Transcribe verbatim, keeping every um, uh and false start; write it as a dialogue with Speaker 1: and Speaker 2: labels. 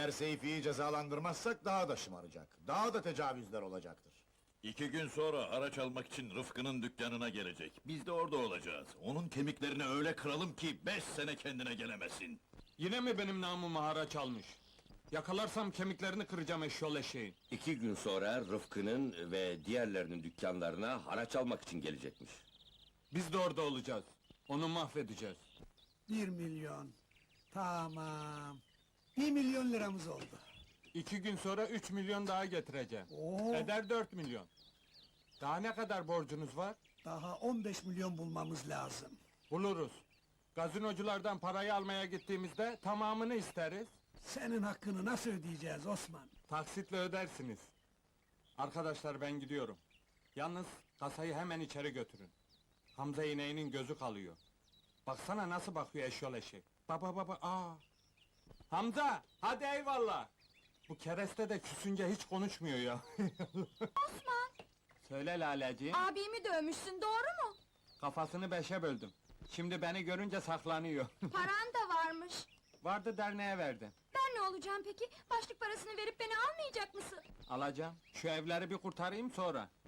Speaker 1: Eğer Seyfi'yi cezalandırmazsak daha da şımaracak. Daha da tecavüzler olacaktır.
Speaker 2: İki gün sonra haraç almak için Rıfkı'nın dükkanına gelecek. Biz de orada olacağız. Onun kemiklerini öyle kıralım ki beş sene kendine gelemesin.
Speaker 3: Yine mi benim namıma haraç almış? Yakalarsam kemiklerini kıracağım eşyol eşeğin.
Speaker 4: İki gün sonra Rıfkı'nın ve diğerlerinin dükkanlarına haraç almak için gelecekmiş.
Speaker 3: Biz de orada olacağız. Onu mahvedeceğiz.
Speaker 5: Bir milyon. Tamam. Bir milyon liramız oldu.
Speaker 3: İki gün sonra üç milyon daha getireceğim.
Speaker 5: Oo,
Speaker 3: Eder dört milyon. Daha ne kadar borcunuz var?
Speaker 5: daha on beş milyon bulmamız lazım.
Speaker 3: Buluruz. Gazinoculardan parayı almaya gittiğimizde tamamını isteriz.
Speaker 5: Senin hakkını nasıl ödeyeceğiz Osman?
Speaker 3: Taksitle ödersiniz. Arkadaşlar ben gidiyorum. Yalnız kasayı hemen içeri götürün. Hamza ineğinin gözü kalıyor. Baksana nasıl bakıyor eşyol eşek. Baba baba aa. Hamza hadi eyvallah. Bu kereste de küsünce hiç konuşmuyor ya.
Speaker 6: Osman,
Speaker 3: Söyle Laleciğim.
Speaker 6: abimi dövmüşsün, doğru mu?
Speaker 3: Kafasını beşe böldüm. Şimdi beni görünce saklanıyor.
Speaker 6: Paran da varmış.
Speaker 3: Vardı derneğe verdim.
Speaker 6: Ben ne olacağım peki? Başlık parasını verip beni almayacak mısın?
Speaker 3: Alacağım. Şu evleri bir kurtarayım sonra.